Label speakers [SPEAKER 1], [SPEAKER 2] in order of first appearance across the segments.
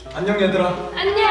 [SPEAKER 1] 안녕 얘들아.
[SPEAKER 2] 안녕.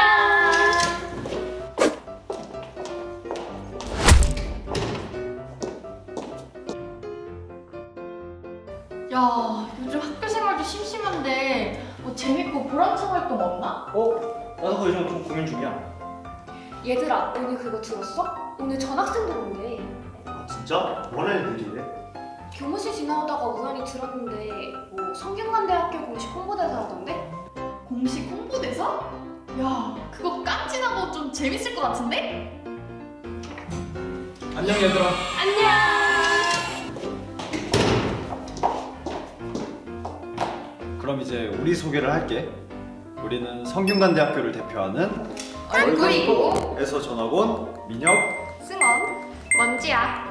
[SPEAKER 2] 야, 요즘 학교 생활도 심심한데 뭐 재밌고 보람찬 활동 없나?
[SPEAKER 3] 나도 그거 요즘 좀 고민 중이야.
[SPEAKER 4] 얘들아, 오늘 그거 들었어? 오늘 전학생들 온대.
[SPEAKER 3] 아, 진짜? 원하는 일이래?
[SPEAKER 4] 교무실 지나오다가 우연히 들었는데 뭐 성균관대학교 공식 홍보대사라던데?
[SPEAKER 2] 공식 홍보대사? 야, 그거 깜찍하고 좀 재밌을 것 같은데?
[SPEAKER 1] 안녕 얘들아.
[SPEAKER 2] 안녕.
[SPEAKER 1] 그럼 이제 우리 소개를 할게. 우리는 성균관대학교를 대표하는
[SPEAKER 2] 얼굴이고
[SPEAKER 1] 에서 전학 온 민혁.
[SPEAKER 4] 승원, 먼지야.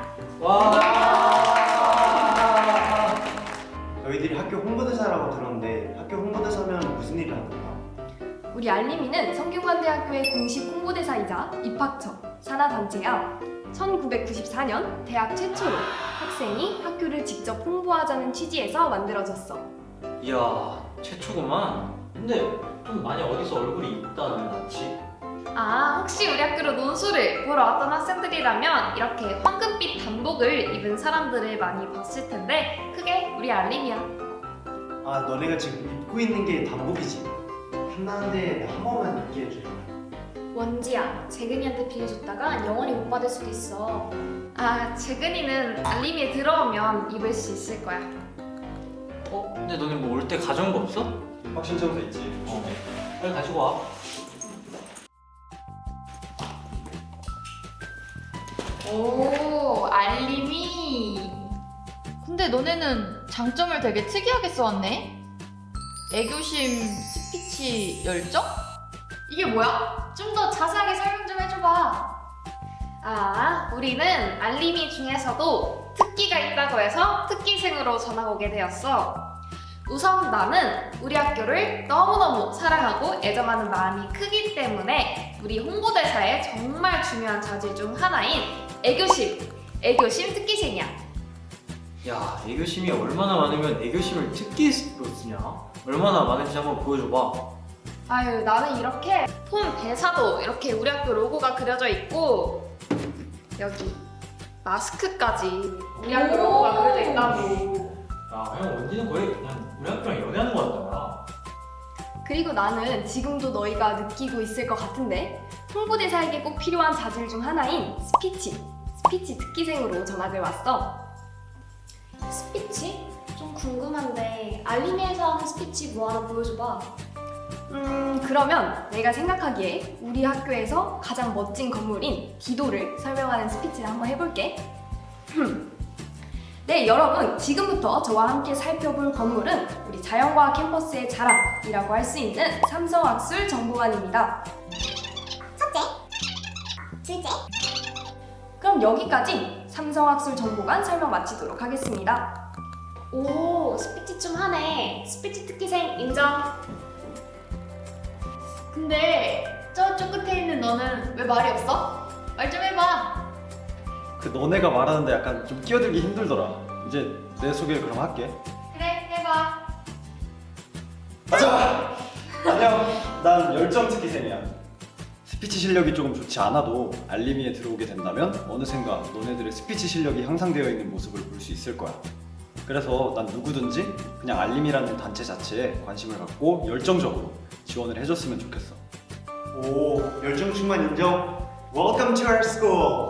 [SPEAKER 3] 와. 너희들이 학교 홍보대사라고 들었는데 학교 홍보대사면 무슨 일을 하는 거야?
[SPEAKER 4] 우리 알림이는 성균관대학교의 공식 홍보대사이자 입학처, 산하단체야. 1994년 대학 최초로 학생이 학교를 직접 홍보하자는 취지에서 만들어졌어.
[SPEAKER 5] 이야, 최초구만. 근데 좀 많이 어디서 얼굴이 있다는 같이.
[SPEAKER 2] 아, 혹시 우리 학교로 논술을 보러 왔던 학생들이라면 이렇게 황금빛 단복을 입은 사람들을 많이 봤을 텐데 그게 우리 알림이야.
[SPEAKER 3] 아, 너네가 지금 입고 있는 게 단복이지? 한나한데 한 번만 입게 해줘.
[SPEAKER 4] 원지야, 재근이한테 빌려줬다가 영원히 못 받을 수도 있어.
[SPEAKER 2] 아, 재근이는 알림이에 들어오면 입을 수 있을 거야.
[SPEAKER 5] 근데 너네 뭐 올 때 가져온 거 없어?
[SPEAKER 1] 확신청서 있지.
[SPEAKER 5] 빨리 가지고 와.
[SPEAKER 2] 오, 알림이. 근데 너네는 장점을 되게 특이하게 써왔네. 애교심, 스피치, 열정? 이게 뭐야? 좀 더 자세하게 설명 좀 해줘봐. 아, 우리는 알림이 중에서도 특기가 있다고 해서 특기생으로 전학 오게 되었어. 우선 나는 우리 학교를 너무너무 사랑하고 애정하는 마음이 크기 때문에 우리 홍보대사의 정말 중요한 자질 중 하나인 애교심 특기생이야.
[SPEAKER 5] 야, 애교심이 얼마나 많으면 애교심을 특기로 쓰냐? 얼마나 많은지 한번 보여줘봐.
[SPEAKER 2] 아유, 나는 이렇게 폰 대사도 이렇게 우리 학교 로고가 그려져 있고 여기 마스크까지 우리 학교 로고가 그려져 있다고.
[SPEAKER 5] 야, 형 원디는 거의 그냥 우리 학교랑 연애하는 거 같다.
[SPEAKER 4] 그리고 나는 지금도 너희가 느끼고 있을 것 같은데 홍보대사에게 꼭 필요한 자질 중 하나인 스피치 특기생으로 전학을 왔어.
[SPEAKER 6] 스피치? 좀 궁금한데 알림이에서 하는 스피치 뭐 하나 보여줘봐.
[SPEAKER 4] 그러면 내가 생각하기에 우리 학교에서 가장 멋진 건물인 기도를 설명하는 스피치를 한번 해볼게. 네, 여러분, 지금부터 저와 함께 살펴볼 건물은 우리 자연과학 캠퍼스의 자랑이라고 할 수 있는 삼성학술 정보관입니다.
[SPEAKER 6] 첫째, 둘째,
[SPEAKER 4] 그럼 여기까지 삼성학술 정보관 설명 마치도록 하겠습니다.
[SPEAKER 6] 오, 스피치 좀 하네. 스피치 특기생 인정.
[SPEAKER 2] 근데 저쪽 끝에 있는 너는 왜 말이 없어? 말 좀 해봐.
[SPEAKER 1] 그 너네가 말하는데 약간 좀 끼어들기 힘들더라. 이제 내 소개를 그럼 할게.
[SPEAKER 2] 그래, 해봐.
[SPEAKER 1] 가자. 안녕. 난 열정 특기생이야. 스피치 실력이 조금 좋지 않아도 알림이에 들어오게 된다면 어느샌가 너네들의 스피치 실력이 향상되어 있는 모습을 볼 수 있을 거야. 그래서 난 누구든지 그냥 알림이라는 단체 자체에 관심을 갖고 열정적으로 지원을 해줬으면 좋겠어.
[SPEAKER 3] 오, 열정 충만 인정. Welcome to our school.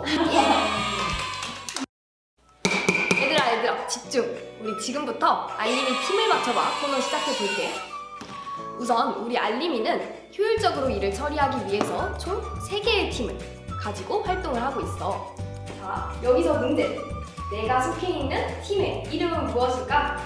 [SPEAKER 4] 얘들아, 집중! 우리 지금부터 알림이 팀을 맞춰봐 코너 시작해볼게. 우선 우리 알림이는 효율적으로 일을 처리하기 위해서 총 3개의 팀을 가지고 활동을 하고 있어. 자, 여기서 문제! 내가 속해 있는 팀의 이름은 무엇일까?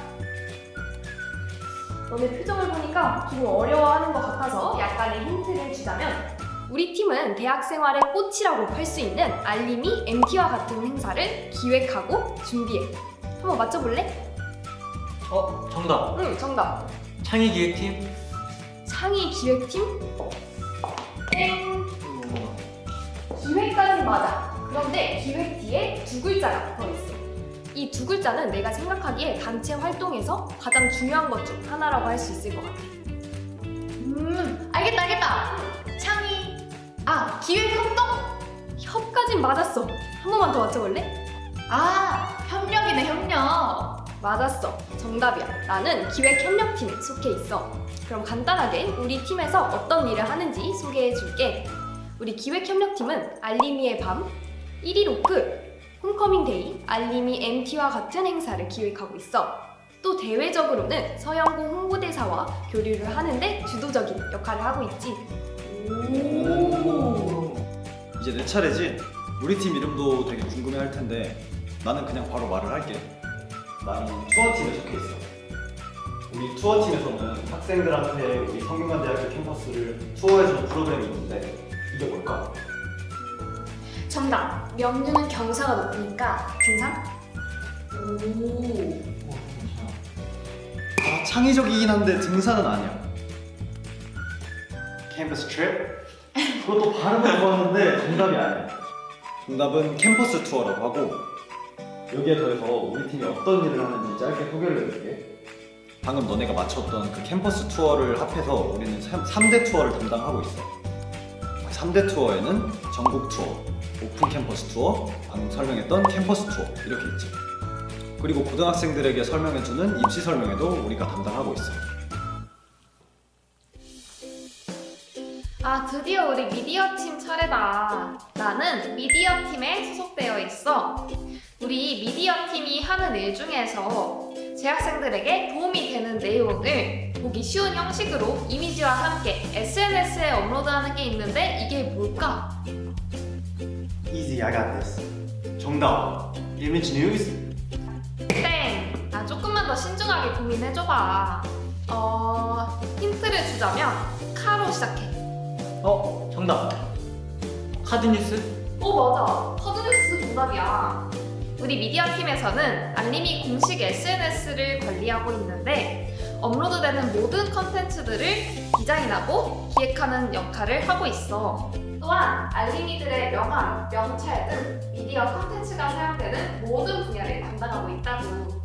[SPEAKER 4] 너네 표정을 보니까 조금 어려워하는 것 같아서 약간의 힌트를 주자면 우리 팀은 대학 생활의 꽃이라고 할 수 있는 알림이 MT와 같은 행사를 기획하고 준비해. 한번 맞춰볼래?
[SPEAKER 5] 정답.
[SPEAKER 4] 응, 정답.
[SPEAKER 5] 창의기획팀?
[SPEAKER 4] 창의 기획팀? 땡! 기획까지 맞아. 그런데 기획 뒤에 2글자가 더 있어. 이 2글자는 내가 생각하기에 단체 활동에서 가장 중요한 것 중 하나라고 할 수 있을 것 같아.
[SPEAKER 2] 알겠다. 알겠다. 창의. 아, 기획 협동?
[SPEAKER 4] 협까진 맞았어. 한 번만 더 맞춰볼래?
[SPEAKER 2] 아, 협력이네, 협력.
[SPEAKER 4] 맞았어. 정답이야. 나는 기획협력팀에 속해 있어. 그럼 간단하게 우리 팀에서 어떤 일을 하는지 소개해 줄게. 우리 기획협력팀은 알림이의 밤, 1위 로크, 홈커밍 데이, 알림이 MT와 같은 행사를 기획하고 있어. 또 대외적으로는 서영고 홍보대사와 교류를 하는데 주도적인 역할을 하고 있지.
[SPEAKER 1] 이제 내 차례지? 우리 팀 이름도 되게 궁금해 할 텐데 나는 그냥 바로 말을 할게. 나는 투어팀에 속해 있어. 우리 투어팀에서는 학생들한테 우리 성균관대학교 캠퍼스를 투어해주는 프로그램이 있는데 이게 뭘까?
[SPEAKER 6] 정답. 명류는 경사가 높으니까 등산?
[SPEAKER 1] 아, 창의적이긴 한데 등산은 아니야.
[SPEAKER 3] 캠퍼스 트립?
[SPEAKER 1] 그것도 발음은 좋았는데 정답이 아니야. 정답은 캠퍼스 투어라고 하고 여기에 더해서 우리 팀이 어떤 일을 하는지 짧게 소개를 해줄게. 방금 너네가 맞췄던 그 캠퍼스 투어를 합해서 우리는 3대 투어를 담당하고 있어. 그 3대 투어에는 전국 투어, 오픈 캠퍼스 투어, 방금 설명했던 캠퍼스 투어 이렇게 있지. 그리고 고등학생들에게 설명해주는 입시 설명회도 우리가 담당하고 있어.
[SPEAKER 2] 아, 드디어 우리 미디어 팀 차례다. 나는 미디어 팀에 소속되어 있어. 우리 미디어 팀이 하는 일 중에서 재학생들에게 도움이 되는 내용을 보기 쉬운 형식으로 이미지와 함께 SNS에 업로드하는 게 있는데 이게 뭘까?
[SPEAKER 3] Easy, I got this. 정답. Image News?
[SPEAKER 2] 땡! 아, 조금만 더 신중하게 고민해줘봐. 힌트를 주자면 카로 시작해.
[SPEAKER 5] 정답. 카드뉴스?
[SPEAKER 2] 맞아. 카드뉴스 정답이야. 우리 미디어 팀에서는 알림이 공식 SNS를 관리하고 있는데 업로드되는 모든 컨텐츠들을 디자인하고 기획하는 역할을 하고 있어. 또한 알림이들의 명함, 명찰 등 미디어 컨텐츠가 사용되는 모든 분야를 담당하고 있다고.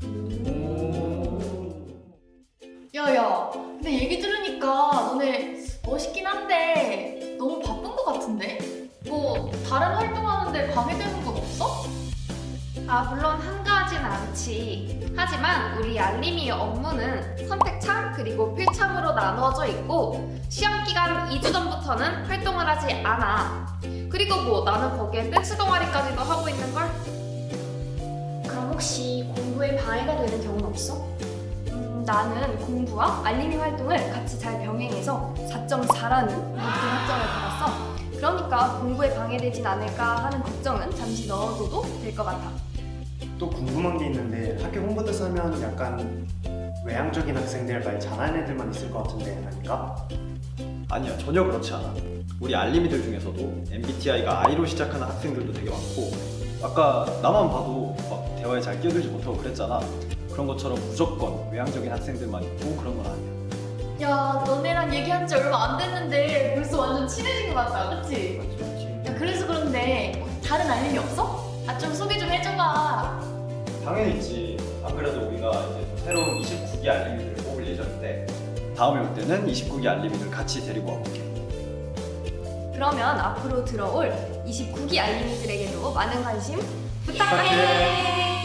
[SPEAKER 7] 야야, 근데 얘기 들으니까 너네 멋있긴 한데 너무 바쁜 것 같은데? 뭐 다른 활동하는데 방해되는 건 없어?
[SPEAKER 2] 아, 물론 한가하진 않지. 하지만 우리 알림이 업무는 선택참 그리고 필참으로 나누어져 있고 시험 기간 2주 전부터는 활동을 하지 않아. 그리고 뭐 나는 거기에 댄스 동아리까지도 하고 있는걸?
[SPEAKER 6] 그럼 혹시 공부에 방해가 되는 경우는 없어?
[SPEAKER 4] 나는 공부와 알림이 활동을 같이 잘 병행해서 4.4라는 높은 학점을 받았어. 그러니까 공부에 방해되진 않을까 하는 걱정은 잠시 넣어둬도 될 것 같아.
[SPEAKER 3] 또 궁금한 게 있는데 학교 홍보대사 하면 약간 외향적인 학생들 말 잘하는 애들만 있을 것 같은데 아닌가?
[SPEAKER 1] 아니야, 전혀 그렇지 않아. 우리 알림이들 중에서도 MBTI가 I로 시작하는 학생들도 되게 많고 아까 나만 봐도 막 대화에 잘 끼어들지 못하고 그랬잖아. 그런 것처럼 무조건 외향적인 학생들만 있고 그런 건 아니야.
[SPEAKER 7] 야, 너네랑 얘기한 지 얼마 안 됐는데 벌써 완전 친해진 것 같다, 그치? 야, 그래서 그런데 다른 알림이 없어? 아, 좀 소개 좀 해줘봐.
[SPEAKER 1] 당연히 있지. 안 그래도 우리가 이제 새로운 29기 알림이들을 뽑을 예정인데 다음에 올 때는 29기 알림이들 같이 데리고 와볼게.
[SPEAKER 4] 그러면 앞으로 들어올 29기 알림이들에게도 많은 관심
[SPEAKER 1] 부탁해.